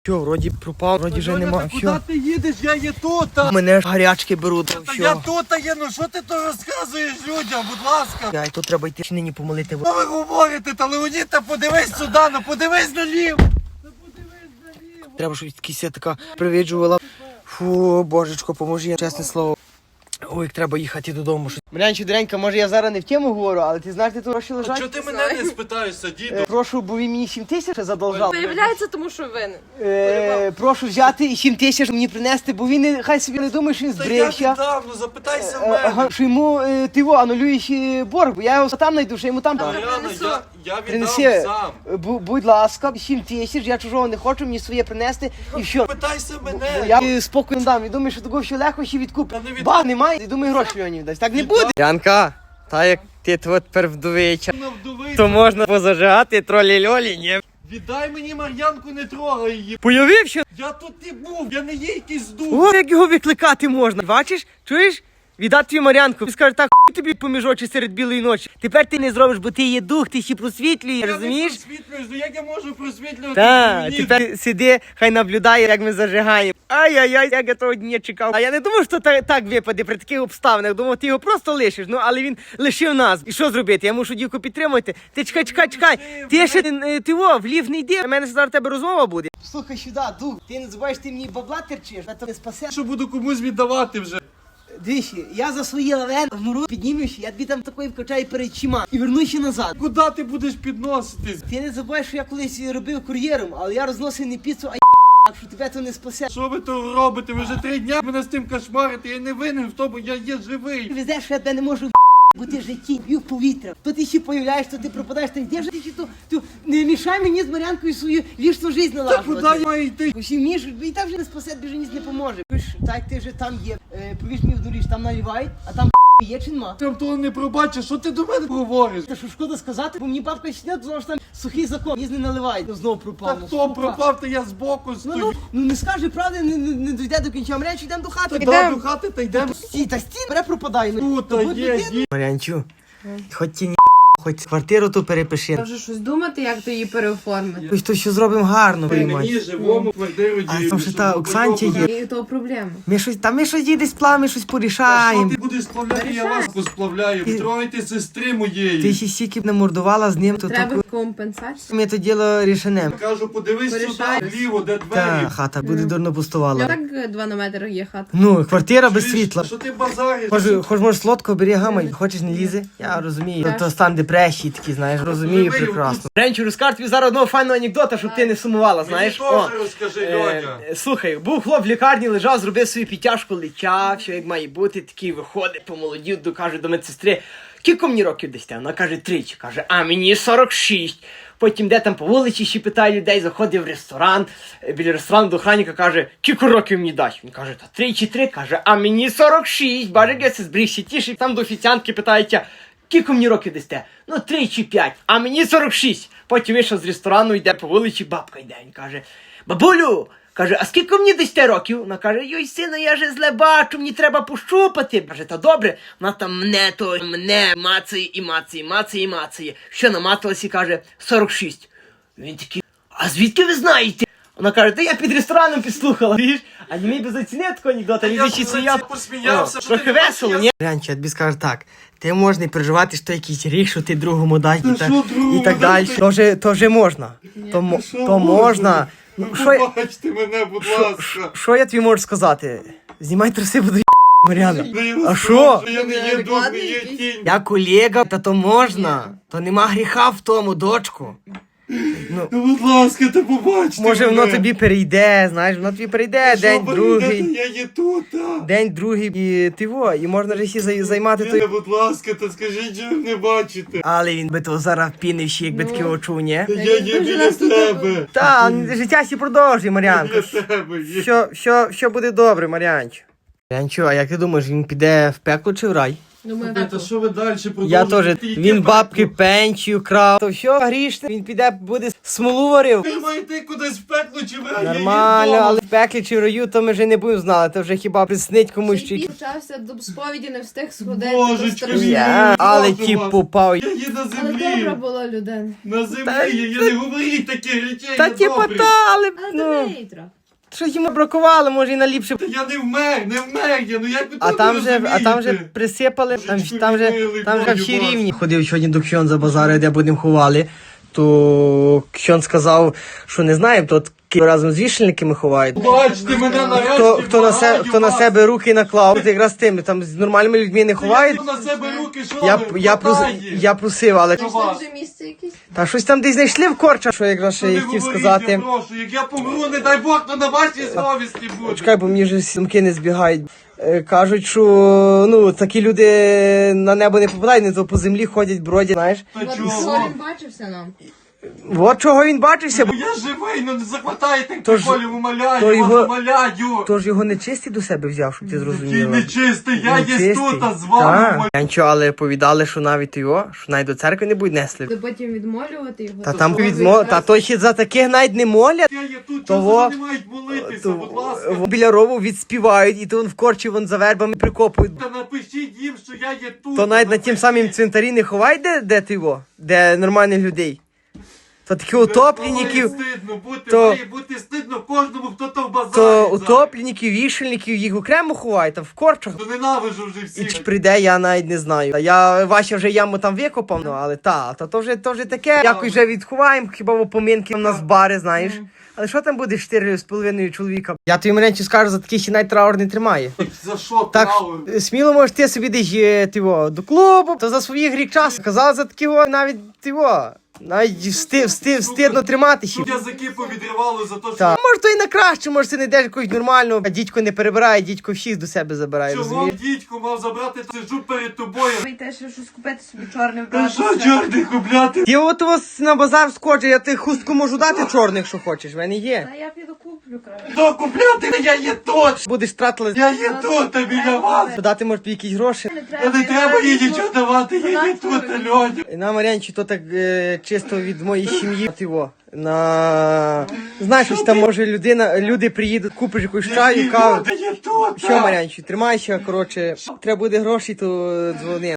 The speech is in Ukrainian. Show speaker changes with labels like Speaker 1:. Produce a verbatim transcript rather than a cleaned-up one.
Speaker 1: Що, вроді пропав, вроді вже нема.
Speaker 2: Куди ти їдеш? Я є тут.
Speaker 1: Мене ж гарячки беруть.
Speaker 2: Та я тут є, ну що ти то розказуєш людям, будь ласка.
Speaker 1: Я, тут треба йти нині помолити.
Speaker 2: Що ви говорите, та Леонід, та подивись сюди, ну подивись наліво. Та подивись наліво.
Speaker 1: Треба, щоб якась така привіджувала. Фу, божечко, поможи, чесне слово. Ой, як треба їхати додому. Марянчу, доренька, може я зараз не в тему говорю, але ти знаєш, де тут гроші лежать?
Speaker 2: Чого ти мене не спитаєшся, діду?
Speaker 1: Е, прошу, бо він мені сім тисяч задолжав.
Speaker 3: Виявляється, тому що винен.
Speaker 1: Е, прошу взяти сім тисяч мені принести, бо він не- хай собі не думає, що він
Speaker 2: Та я
Speaker 1: збрився.
Speaker 2: віддам, ну запитайся в
Speaker 1: Е,
Speaker 2: мене.
Speaker 1: ага, що йому е, ти во, анулюєш е, борг, бо я його там знайду, що йому там
Speaker 2: Мар'яна,
Speaker 3: принесу.
Speaker 2: я, я віддам
Speaker 1: принеси.
Speaker 2: сам.
Speaker 1: Е, бу- будь ласка, сім тисяч, я чужого не хочу, мені своє принести і все.
Speaker 2: Питайся
Speaker 1: Бо
Speaker 2: мене.
Speaker 1: я е, спокою дам, і думаю, що такого ще легко ще відкуп.
Speaker 2: Та не від-
Speaker 1: Ба, немає, і думаю, гроші Леонів дасть. Так не
Speaker 2: Віддам.
Speaker 1: буде. Янка, та як ти тут тепер вдовича,
Speaker 2: Вона вдовиця.
Speaker 1: то можна позажигати тролі-льолі, ні?
Speaker 2: Віддай мені Мар'янку, не трогай її.
Speaker 1: Появив, що?
Speaker 2: Я тут не був, я не є якийсь дух.
Speaker 1: О, як його викликати можна. Бачиш? Чуєш? Віддати твою Мар'янку. Він скаже, так хуй тобі поміж очі серед білої ночі. Тепер ти не зробиш, бо ти є дух, ти ще просвітлюєш,
Speaker 2: Я не
Speaker 1: розумієш?
Speaker 2: просвітлююсь, ну як я можу просвітлювати?
Speaker 1: Так,
Speaker 2: Леонід?
Speaker 1: тепер сиди, хай наблюдає, як ми зажигаємо. Ай-яй-яй, як я того дня чекав. А я не думав, що так, так випаде при таких обставинах. Думав, ти його просто лишиш. Ну, але він лишив нас. І що зробити? Я мушу дівку підтримувати. Ти чекай, чекай, чекай. Ти ще не- ти во, в лів не йди. У мене зараз тебе розмова буде. Слухай сюди, дух. Ти не забуваєш, ти мені бабла терчиш, а то не спасе.
Speaker 2: Що буду комусь віддавати вже?
Speaker 1: Двічі, я за свої лавен вмру, піднімуся, я тобі там такої вкачаю перед чима і вернуся назад.
Speaker 2: Куди ти будеш підноситись?
Speaker 1: Ти не забуваєш, що я колись робив кур'єром, але я розносив не піцу, а так що тебе то не спасе.
Speaker 2: Що ви то робите? Ви вже три дня мене з тим кошмарите, я не винен в тому, я є
Speaker 1: Ти
Speaker 2: живий.
Speaker 1: везеш, що я тебе не можу бути в житті, б'ю в повітря. То ти ще появляєш, то ти пропадаєш, та де ж ти ще то, то не мішай мені з Мар'янкою свою вічну життя
Speaker 2: Та
Speaker 1: налажувати.
Speaker 2: куди я маю йти?
Speaker 1: Усі вмієш, і так вже не спасе, тобі вже ніс не поможе. Пиш, так як ти вже там є, е, повіж мені в доріж, там наливають, а там є чи нема.
Speaker 2: Там того не пробачиш, що ти до мене говориш?
Speaker 1: Та що шкода сказати, бо мені бабка ще не тому що там сухий закон, їз не наливають, ну знову
Speaker 2: Та
Speaker 1: пропав. ну,
Speaker 2: хто
Speaker 1: сука.
Speaker 2: пропав, то я збоку
Speaker 1: Ну,
Speaker 2: стою.
Speaker 1: ну, ну не скаже правди, не, не, не дійде до кінця. Мар'янчу, йдемо до хати.
Speaker 2: Та да, до хати та йдемо.
Speaker 1: Стій, та стій, бере пропадай.
Speaker 2: Тут та є, є.
Speaker 1: Мар'янчу, хоч ті ні, хоч квартиру ту перепиши.
Speaker 3: Може щось думати, як то її переоформити.
Speaker 1: Ось то що зробимо гарно,
Speaker 2: Мені
Speaker 1: приймай.
Speaker 2: живому квартиру
Speaker 1: А
Speaker 2: діють.
Speaker 1: там ще та Оксанці є.
Speaker 3: І то проблема.
Speaker 1: Ми щось, та ми щось їде сплав, ми щось
Speaker 2: А що
Speaker 1: порішаємо.
Speaker 2: ти будеш сплавляти, я вас посплавляю.
Speaker 1: Ти-
Speaker 2: Тройте сестри
Speaker 1: Ти
Speaker 2: моєї.
Speaker 1: ще стільки б намордувала з ним, то
Speaker 3: Треба
Speaker 1: таку...
Speaker 3: компенсацію.
Speaker 1: Ми то діло рішенемо.
Speaker 2: Кажу, подивись сюди,
Speaker 3: Порішаєш.
Speaker 2: вліво, де
Speaker 1: Та
Speaker 2: двері.
Speaker 1: хата буде дурно
Speaker 3: Я
Speaker 1: пустувала.
Speaker 3: так два на метр є хата.
Speaker 1: Ну, квартира без
Speaker 2: Чуєш,
Speaker 1: світла.
Speaker 2: Що ти базариш?
Speaker 1: Хоч, хоч може солодко бери гамай, хочеш не лізе? Я розумію. То, то стан депресії такий, знаєш, розумію
Speaker 2: Розумію,
Speaker 1: прекрасно. Ренчу, розкажу тобі зараз одного файного анекдота, щоб ти не сумувала, знаєш.
Speaker 2: Мені теж розкажи,
Speaker 1: Е,
Speaker 2: Льоня.
Speaker 1: е, Слухай, був хлоп в лікарні, лежав, зробив свою підтяжку, летяв, все як має бути, такий виходить, помолодів, до- каже до медсестри, кілько мені років десь? Вона каже, тричі. Каже, а мені сорок шість. Потім де там по вулиці ще питає людей, заходить в ресторан, е, біля ресторану до охранника каже, кілько років мені дасть? Він каже, та три чи три, каже, а мені сорок шість. Баже, як я це збрігся тішить, там до офіціантки питається, кілько мені років дасте? Ну, три чи п'ять, а мені сорок шість. Потім вийшов з ресторану, йде по вулиці, бабка йде. Він каже, бабулю, каже, а скільки мені дасте років? Вона каже, йой, сину, я же зле бачу, мені треба пощупати. Каже, та добре, вона там мене то, мене мацає і мацає, мацає і мацає. Що намацалась і каже, сорок шість. Він такий, а звідки ви знаєте? Вона каже, та я під рестораном підслухала. Віж? А не міг би зацінити такого анекдота,
Speaker 2: Я
Speaker 1: він ще
Speaker 2: б
Speaker 1: сміяв.
Speaker 2: посміявся,
Speaker 1: О,
Speaker 2: що ти
Speaker 1: трохи
Speaker 2: не
Speaker 1: весело,
Speaker 2: бачиш,
Speaker 1: ні? Рянче, я тобі скажу так, ти можеш не переживати, що якийсь ріг, що ти другому дай
Speaker 2: Та
Speaker 1: і, та,
Speaker 2: що другому
Speaker 1: і так
Speaker 2: дай?
Speaker 1: далі. То вже, то вже можна. То, мо-
Speaker 2: що
Speaker 1: то
Speaker 2: можна?
Speaker 1: можна. Ну, що, я-
Speaker 2: Побачте мене, будь ласка.
Speaker 1: що я тобі можу сказати? Знімай труси, буду Мар'яна.
Speaker 2: Ну, я
Speaker 1: А
Speaker 2: не
Speaker 1: що?
Speaker 2: знаю, Я не є дух, не
Speaker 3: Адекватний
Speaker 2: є
Speaker 3: якийсь?
Speaker 2: тінь.
Speaker 1: Я колега, та то можна. То нема гріха в тому, дочку.
Speaker 2: Ну, будь ласка, та побачте
Speaker 1: Може воно
Speaker 2: мене.
Speaker 1: тобі перейде, знаєш, воно тобі перейде
Speaker 2: Що
Speaker 1: день
Speaker 2: ви
Speaker 1: другий.
Speaker 2: йдете? Я є тут, а.
Speaker 1: День другий і ти во, і можна ж ще зай- займати той.
Speaker 2: Мене, будь ласка, та скажіть, що ви не бачите.
Speaker 1: Але він би то зараз пінив ще, якби таке очув, ні?
Speaker 2: Та Я є
Speaker 3: дуже
Speaker 2: біля
Speaker 3: нас тут
Speaker 2: тебе.
Speaker 1: Та, життя сі продовжує, Мар'янко.
Speaker 2: Біля тебе є.
Speaker 1: Що, що, що буде добре, Мар'янчо? Мар'янчо, а як ти думаєш, він піде в пекло чи в рай?
Speaker 3: Думаю,
Speaker 2: Та
Speaker 3: так.
Speaker 2: що ви далі продовжуєте?
Speaker 1: Я теж.
Speaker 2: Яке
Speaker 1: Він бабки
Speaker 2: пекло?
Speaker 1: пенсію крав. То все, грішне, він піде, буде смолу варив.
Speaker 2: Ви маєте кудись в пекло чи ви?
Speaker 1: Нормально, але в пеклі чи в раю, то ми вже не будемо знати. То вже хіба приснить комусь
Speaker 3: Ще й
Speaker 1: чи.
Speaker 3: почався до сповіді, не встиг сходити.
Speaker 2: Божечки,
Speaker 3: то страшно.
Speaker 2: мій.
Speaker 1: Я, але
Speaker 2: Прошу
Speaker 1: ті
Speaker 2: вас.
Speaker 1: попав.
Speaker 2: Я є на
Speaker 3: Але
Speaker 2: землі.
Speaker 3: добра була людина.
Speaker 2: На землі,
Speaker 1: Та-
Speaker 2: я, я не говоріть таких речей,
Speaker 1: Та
Speaker 2: я
Speaker 1: типа
Speaker 2: добрий.
Speaker 1: та, але
Speaker 3: Але
Speaker 1: ну,
Speaker 3: до неї трохи.
Speaker 1: що йому бракувало, може і наліпше.
Speaker 2: Та я не вмер, не вмер я, ну як ви
Speaker 1: А
Speaker 2: тут
Speaker 1: там
Speaker 2: не
Speaker 1: вже, а там вже
Speaker 2: розумієте?
Speaker 1: присипали, там,
Speaker 2: Божечко
Speaker 1: там вже,
Speaker 2: милий,
Speaker 1: там вже
Speaker 2: Боже
Speaker 1: всі
Speaker 2: ваш.
Speaker 1: рівні. Ходив сьогодні до Ксьонза базари, де будемо ховали, то Ксьон сказав, що не знає, то разом з вішальниками ховають.
Speaker 2: Бачите мене нарешті,
Speaker 1: Хто, хто, на, се,
Speaker 2: благаю
Speaker 1: хто на
Speaker 2: вас.
Speaker 1: себе руки наклав, от якраз тими, там з нормальними людьми не
Speaker 2: Та
Speaker 1: ховають.
Speaker 2: я на себе руки, що
Speaker 1: Я,
Speaker 2: ви?
Speaker 1: я, прос,
Speaker 2: Хватає.
Speaker 1: я просив, але
Speaker 3: Знайшли вже місце якесь?
Speaker 1: та щось там десь знайшли в корчах, що якраз ще
Speaker 2: Та
Speaker 1: я
Speaker 2: не
Speaker 1: хотів
Speaker 2: говоріть,
Speaker 1: сказати.
Speaker 2: я прошу, як я помру, не дай Бог, то на вашій совісті буде.
Speaker 1: Чекай, бо мені вже сумки не збігають. Е, Кажуть, що ну такі люди на небо не попадають, не то по землі ходять, бродять, знаєш.
Speaker 2: Та
Speaker 3: От
Speaker 2: чого?
Speaker 3: що він бачився нам?
Speaker 1: От чого він бачився, бо
Speaker 2: Ну я живий, ну не захватайте
Speaker 1: Тож-
Speaker 2: приколів, умоляю,
Speaker 1: то
Speaker 2: вас
Speaker 1: його-
Speaker 2: умоляю.
Speaker 1: тож його нечистий до себе взяв, щоб ти
Speaker 2: Який
Speaker 1: зрозумів.
Speaker 2: нечистий, я є тут, а з вами.
Speaker 1: Так. Нічого, але повідали, що навіть його, що навіть до церкви не будуть несли.
Speaker 3: Ти потім відмолювати його?
Speaker 1: Та
Speaker 3: То
Speaker 1: там
Speaker 3: що,
Speaker 1: відмо...
Speaker 3: якраз-
Speaker 1: Та то ще за таких навіть не молять.
Speaker 2: Я є тут,
Speaker 1: Того-
Speaker 2: чого вони мають молитися, будь ласка.
Speaker 1: То, біля рову відспівають, і то вон в корчі вон за вербами прикопують.
Speaker 2: Та напишіть їм, що я є тут.
Speaker 1: То навіть на тім
Speaker 2: напишіть.
Speaker 1: самім цвинтарі не ховають, де, де ти його, де нормальних людей. То такі
Speaker 2: Має
Speaker 1: утопленників,
Speaker 2: стидно бути,
Speaker 1: то-
Speaker 2: має бути стидно кожному, хто то в базарі.
Speaker 1: то
Speaker 2: зараз.
Speaker 1: утопленників, вішальників, їх окремо ховають, там в корчах.
Speaker 2: То ненавижу вже
Speaker 1: І
Speaker 2: всіх.
Speaker 1: чи прийде, я навіть не знаю. Та Я Вася вже яму там викопав, ну але та, то, то вже то вже таке. Якось вже відховаємо, хіба в опоминки у нас бари, знаєш. Але що там буде чотири з половиною чоловіка? Я тобі менше скажу, за такий ще навіть траур не тримає.
Speaker 2: За що
Speaker 1: Так
Speaker 2: траур?
Speaker 1: е, сміло можеш ти собі десь е, тиво, до клубу, то за свої гріх час. Казав за такого навіть тиво. Навіть всти, всти, встидно тримати ще.
Speaker 2: Щоб язики повідривало за те, що...
Speaker 1: Так. Може, то і на краще, може, ти не йдеш якось нормально, а дідько не перебирає, дідько всіх до себе забирає,
Speaker 2: Чого
Speaker 1: розумієш?
Speaker 2: дідько мав забрати, сиджу перед тобою.
Speaker 3: Ви теж щось купити собі чорне
Speaker 2: Та
Speaker 3: вбрати.
Speaker 2: що чорний купляти?
Speaker 1: Я от у вас на базар скочу, я ти хустку можу дати чорних, що хочеш, в мене є.
Speaker 3: Та я піду куплю, краще.
Speaker 2: Що купляти? Я є тут!
Speaker 1: Будеш тратила,
Speaker 2: Я є тут, а біля вас!
Speaker 1: дати може тобі якісь гроші.
Speaker 2: Та не треба їй нічого давати, я є тут, Альоня.
Speaker 1: І на Мар'янчі то так е, чисто від моєї сім'ї. Ти во, на... Знаєш, ось там може людина, люди приїдуть, купиш якусь чаю, каву.
Speaker 2: Я є тут!
Speaker 1: Що, Мар'янчі, тримайся, коротше, треба буде гроші, то дзвони.